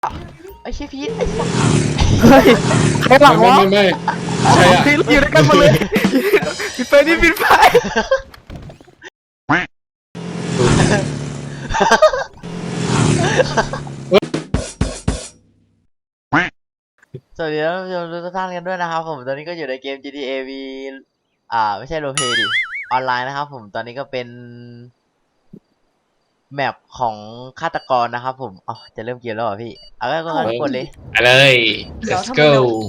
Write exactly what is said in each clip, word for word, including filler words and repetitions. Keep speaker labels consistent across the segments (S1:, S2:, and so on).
S1: ไอ้เชี่ยพีทไอ้สัส
S2: เฮ้ยใครหลัง
S3: ไม่
S2: วะ
S3: ไม่ไม่ใช่อะ
S2: พี่อยู่ด้วยกันหมดเลยปิดไฟนี่ปิดไฟ
S1: สวัสดีท่านผู้ชมทุกท่านกันด้วยนะครับผมตอนนี้ก็อยู่ในเกม จี ที เอ V อ่าไม่ใช่โรลเพลย์ดิออนไลน์นะครับผมตอนนี้ก็เป็นแมปของฆาตกรนะครับผมอ๋อจะเริ่มเกมแล้วเหรอพี่เอาก็ก็กดเลย
S3: ไปเลย let's go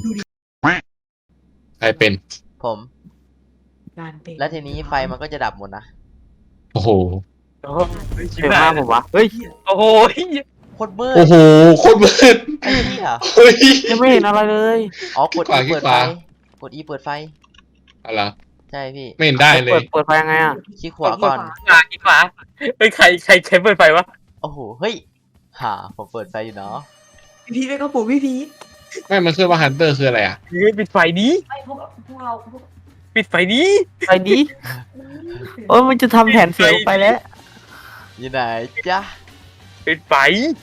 S3: ใครเป็น
S1: ผม แล้วทีนี้ไฟมันก็จะดับหมดนะ
S3: โอ้โห
S2: เดี๋ยวมาผมวะเฮ้ย
S4: โอ้โห
S1: โคตรมืด
S3: โอ้โหโคตรมืด
S1: ไอ้เหี้ย
S3: เฮ้ย
S2: ยังไม่เห็นอะไรเลย
S1: อ๋อกด
S3: ขวา
S1: E เปิด
S3: ข
S1: ไฟ
S3: วา
S1: กด E เปิดไฟ
S3: อะไร
S1: ใช่พี่
S3: ไม่เห็นได้เล
S2: เปิ
S3: ย
S2: ดเปิดไฟยังไงอ่ะ
S1: ชี้ขวาก่อน
S4: ขวาอีกขวาเฮ้ยใครใครใครเปิดไฟวะ
S1: โอ้โหเฮ้ยฮ่าผมเปิดไฟอยู่เนาะ
S5: พี่พีทไปก็ปลูกพี่พีท
S3: ไม่มันคือว่าฮันเตอร์คืออะไรอ่ะ
S4: เฮ้ยปิดไฟนี้
S5: ไม่พวกพวกเราพวก
S4: ปิดไฟนี้
S2: ไฟดีโอ้ยมันจะทำแผนเสียงไปแล้ว
S1: อยู่ไหนจ๊ะ
S4: ปิดไฟ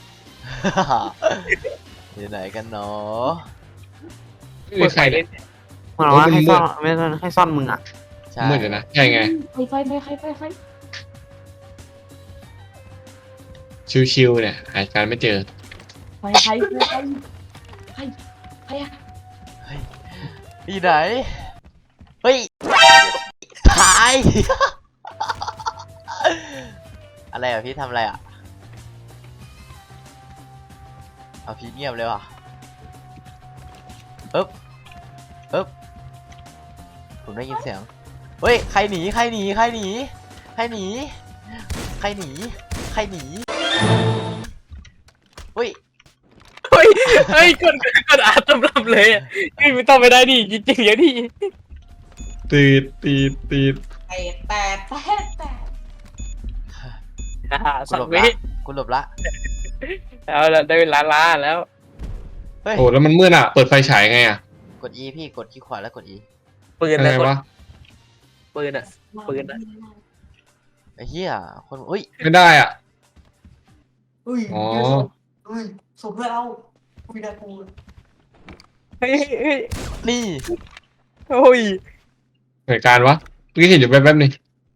S1: อยู่ไหนกันเนาะ
S3: ไม่มีใครเนี่ย
S2: มันบอกว่าให้ซ่อนไม่ซ่อนให้ซ่อนมึงอ่ะ
S1: ใช่
S3: มืดอยู่นะใช่ไง
S5: ไฟไฟไฟไฟไฟไฟ
S3: ชิวๆเนี่ยหาการไม่เจอ
S5: ไฟไฟไฟไฟไฟไฟอะ
S1: อยู่ไหนเฮ้ยถ่าย อะไรอ่ะพี่ทำอะไรอ่ะเอาพี่เงียบเลยว่ะปึ๊บปึ๊บผมได้ยินเสียงเฮ้ยใครหนีใครหนีใครหนีใครหนีใครหนีใครหนีเฮ้ย
S4: เฮ้ยเฮ้ยกดกดอาตำรับเลยอ่ะนี่ไม่ต้องไปได้ดิจริงๆอย่างนี้
S3: ตีดตีดตีด
S5: แปดแปดแปดแปด
S4: อ่า
S1: กู
S4: สั
S1: หล
S4: ก
S1: บ
S4: วิ
S1: ละกูหลบละ
S4: เอาละได้เวลาล้าแล้ว
S1: เฮ้ย
S3: โอ้แล้วมันมืดอ่ะเปิดไฟฉายไงอ่ะ
S1: กด E พี่กดที่ขวาแล้วกด E
S4: ปืน
S3: อะไร
S4: นะกด
S3: วะ
S4: ปืนอ่ะ ปืนอะ
S1: ไอ้เหี้ยคนอุ้ย
S3: ไม่ได้อ่ะ
S5: อุ้ย
S3: อ๋อ
S5: อุ้ยสมเพื่อเราอุ้ยน่ากลัว
S4: เฮ้ยเฮ้ย
S1: นี่
S4: โอ้ย
S3: เหตุการณ์วะเมื่อกี้เห็นอยู่แป๊บๆนี่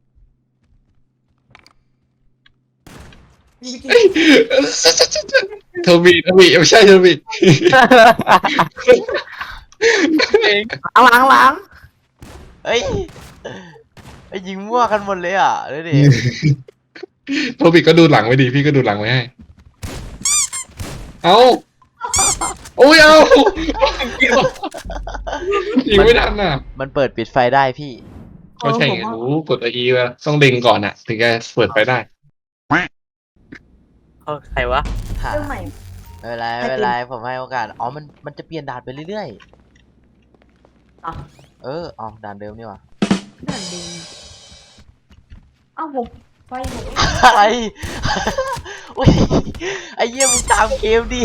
S5: พี่พีท
S3: โทบีโทบีไม่ใช่โทบี
S4: เอง
S2: หลังหลัง
S1: เฮ้ยไอ้ยิงมั่วกันหมดเลยอ่ะดูดิ
S3: โทบีก็ดูหลังไว้ดีพี่ก็ดูหลังไว้ให้ เอาโอ้ยเอายิงไม่ทันอ่ะ
S1: มันเปิดปิดไฟได้พี่
S3: ก็ใช่ไงรู้กดตัวอีว่าต้องเล็งก่อนอ่ะ ถึงจะเปิดไฟได้
S4: เอาใครวะ
S1: หา
S5: เรื่องใหม่
S1: ไม่เป็นไรไม่เป็นไรผมให้โอกาสอ๋อมันมันจะเปลี่ยนด่านไปเรื่อย
S5: อ่ะ
S1: ๆเอออ๋อด่านเดิมนี่หว่า
S5: นั่นดีเอ้าผมไฟผม
S1: อะไรอุ้ยไอ้เหี้ยมึงตามเกมดิ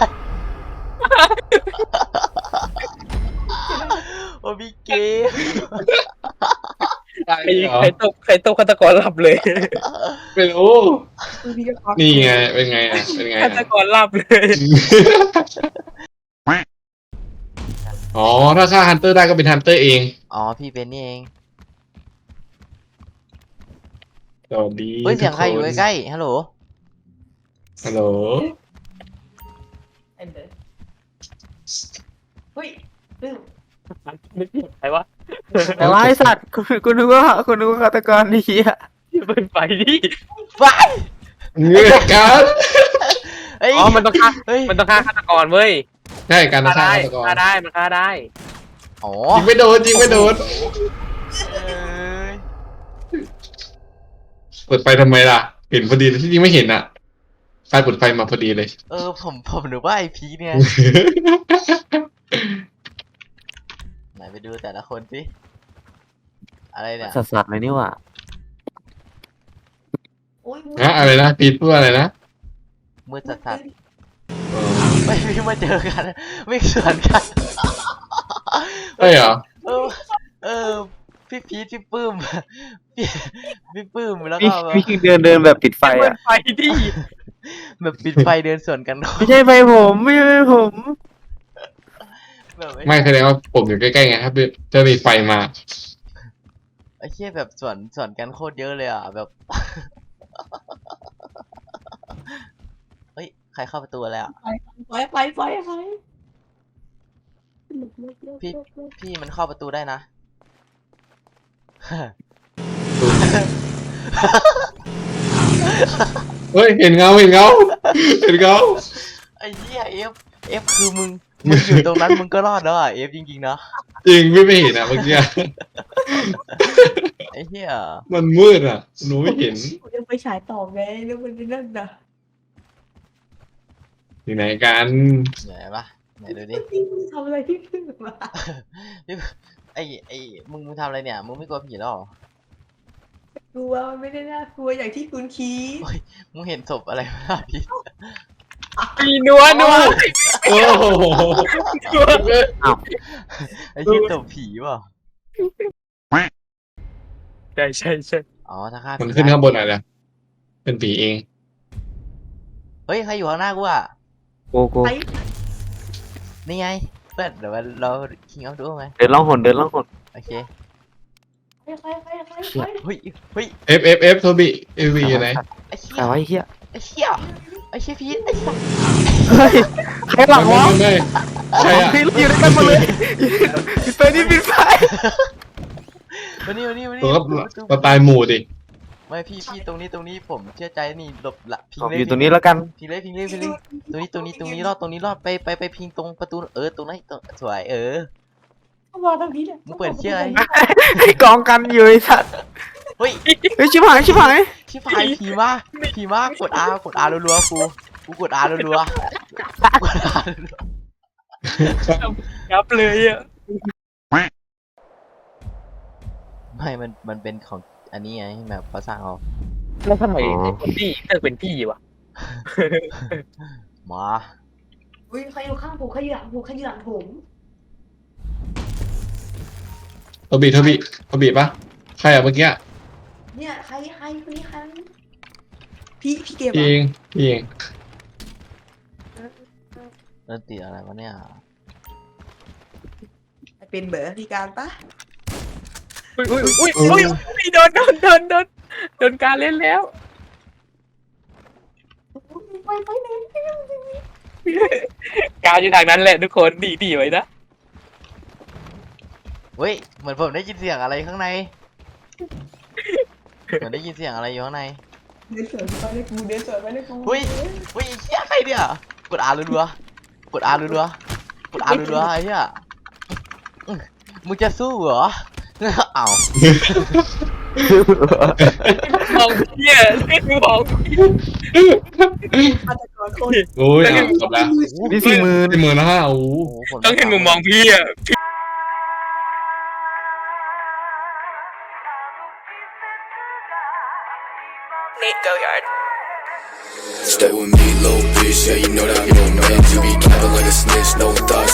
S1: โอ้พี่เกม
S3: ได้
S4: ใคร
S3: เหรอ
S4: ใครตกใครตกฆาตกรหลับเลย
S3: ไม่รู้
S5: พี่พีทก็
S3: นี่ไง เป็นไงอ่ะ เป็นไง
S4: ฆาต
S3: อ่ะ
S4: กรหลับเลย
S3: อ๋อ ถ้าฆ่าฮันเตอร์ได้ก็เป็นฮันเตอร์เอง
S1: อ๋อพี่เป็นนี่เอง
S3: สวัสดี
S1: เฮ้ยเสียงใครอยู่ใกล้ๆฮัลโหล
S3: ๆฮัลโหล
S5: เอ็นเดอร์เฮ้ยลืม
S4: ใครวะ
S2: แต่ว่าไอสัตว์คุณคุณนึกว่าคุณนึกว่าฆาตกรดีอ่ะ
S4: เปิดไฟดิ
S1: ไป
S3: เงื่อนกัน
S1: เฮ้ย
S4: อ๋อมันต้องฆ่า
S1: เฮ้ย
S4: มันต้องฆ่าฆาตกรเว้ย
S3: ใช่การ
S4: ฆ่า
S3: ฆ่า
S4: ได้
S3: ฆาตกร
S4: ฆ่าได้มันฆ่าได้
S1: อ๋อ
S3: ยิงไม่โดนยิงไม่โดน
S1: เอ้ย
S3: เปิดไฟทำไมล่ะ เห็นพอดีที่จริงไม่เห็นอ่ะไฟเปิดไฟมาพอดีเลย
S1: เออผมผมนึกว่าไอพีเนี่ยไหนไปดูแต่ละคนสิอะไรเนี่ย
S2: สัสสัสเลยนี่หว่า
S5: โอ้ย
S3: นะอะไรนะปีดพูดว่าอะไรนะ
S1: มืดสัสๆไม่พี่มาเจอกันไม่สวนกัน
S3: ใช่เหรอ
S1: เออเออพี่พีทพี่ปื้มพี่พี่ปื้มแล้ว
S2: พี่
S1: ก็
S2: พี่เดินเดินแบบปิดไฟ
S4: เปิ
S2: อ่ะ
S4: ดไฟดิ
S1: แบบปิดไฟเดินสวนกัน
S2: ไม่ใช่ไฟผมไม่ใช่ไฟผม
S1: แบบ
S3: ไม่แสดงว่าผมอยู่ใกล้ๆไงครับจะมีไฟมา
S1: ไอ้เชี่ยแบบสวนสวนกันโคตรเยอะเลยอ่ะแบบ เฮ้ยใครเข้าประตูอะไรอ่ะ
S5: ไปไปไปไป
S1: พี่พี่มันเข้าประตูได้นะ
S3: เฮ้ยเห็นเงาเห็นเงาเห็นเงา
S1: ไอ้เหี้ยเอฟเอฟคือมึงมึงอยู่ตรงนั้นมึงก็รอดแล้วอ่ะเอฟจริงๆนะ
S3: จริงไม่ไม่เห็นอ่ะเมื่อกี้อะ
S1: ไอ้เหี้ย
S3: มันมืดอ่ะหนูไม่เห็น
S5: กูยังไปฉายต่อไงแล้วมันนั่นน่ะ
S3: อยู่ไหนกัน
S1: ไหนปะไหนดูดิ
S5: พี่มึงทำอะไรที่ขึ้นมา
S1: พี่ไอ้ไอ้มึงมึงทำอะไรเนี่ยมึงไม่กลัวผีหรอ
S5: กลัวมันไม่ได้น่ากลัวอย่างที่คุณคิด
S1: มึงเห็นศพอะไรไหมล่ะพี่
S4: มีนัวนัว
S3: โอ้โห
S4: นัวเลย
S1: ไอ้ที่ศพผีเปล่ะ
S4: ใช่ใช่ใช่
S1: อ๋อถ้าฆ่า
S3: มัน
S1: ผี
S3: ขึ้น
S1: ได้
S3: ข้างบนอะไรนะเป็นผีเอง
S1: เฮ้ยใครอยู่ข้างหน้ากูอ่ะ
S2: โกโก
S5: ไป
S1: นี่ไงเพื่อนเดี๋ยวเราคิงเอาดูไหม
S2: เดินล่องหนเดินล่องหน
S1: โอเค
S5: ไปไปไปไปไป
S1: เฮ้ยเฮ้ย
S3: เอฟเอฟเอฟโทบีเอวีอยู่ไหน
S1: ไอ้เหี้
S2: แต่
S1: ย
S2: ว่าไอ้เหี้ย
S1: ไอ้เหี้ยไอ้เหี้ยพีทไอ้สัส
S2: เฮ้ยใครหลัง
S3: ไม่
S2: วะ
S3: ไม่ไม่ใช่อ่ะ
S2: พี่เราอยู่ด้วยกันหมดเลยปิดไฟนี่ปิดไฟ
S1: วันนี้วันนี้วันนี้
S3: ตัวก็เราตายหมู่ดิ
S1: ไม่พี่พี่ตรงนี้ตรงนี้ผมเชื่อใจนี่หลบละพิง
S2: ผม
S1: เลย
S2: อยู่ตรงนี้แล้วกัน
S1: พิงเลยพิงเลยพิงเลยตรงนี้ตรงนี้ตรงนี้รอดตรงนี้รอดไปไปไปพิงตรงประตูเออตรงนั้นตรงสวยเออ
S5: เข้ามาทางนี้เนี่ย
S1: มึงเปิดเชื่ออะไร
S2: ให้กองกันอยู่ไอ้สัตว์
S1: เฮ้ย
S2: เฮ้ยชิบหายชิบหาย
S1: ชิบหายผีมากผีมากกด R กด R รัวๆกูกูกด R รัวๆกด R รัว
S4: ยับเลยอ่ะ
S1: ๆไม่มันมันเป็นของอันนี้ไงแบบเขาสร้างเอา
S4: แล้วทำไมไอ้คนที่เลือกเป็นพี่วะ
S1: มา
S5: อุ้ยใครอยู่ข้างผมใครอยู่หลังผมใครอยู่หลังผม
S3: โทบีโทบีโทบีปะใครอ่ะเมื่อกี้
S5: เนี่ยใครใครคนนี้ใครพี่พี่เกม
S3: พี่เองพี่เอง
S1: เริ่มติดอะไรวะเนี่ย
S5: เป็นเบอร์พี่การปะ
S4: อุ้ยอุ้ยอุ้ยอุ้ยอุ้ยโดนโดนโดนโดนโดนการเล่นแล้ว
S5: ไปไปไหน
S4: การอยู่ทางนั้นแหละทุกคนดีดีไว้นะ
S1: เฮ้ยเหมือนผมได้ยินเสียงอะไรข้างในเหมือนได้ยินเสียงอะไรอยู่ข้างใน
S5: เดินสวนไปเลยกูเดินสวนไปเลยกู
S1: เฮ้ยเฮ้ยไอ้เหี้ยใครเนี่ยกด R รัวๆกด R รัวๆกด R รัวๆไอ้เหี้ยอื้อมึงจะสู้เหรออ้าว
S4: มองเพี่ยมองพี่
S5: ฆาตกรคน
S3: โอ้ยอ่ะจบแล้ว
S2: นี่สี่หมื่น
S3: สี่หมื่นแล้วฮะโอ้โห
S1: โอ้โหผม
S4: ต้องเห็นมุมมองพี่อ่ะ
S6: Stay with me, little bitch. Yeah, you know that I'm your man. You be capping like a snitch, no thought.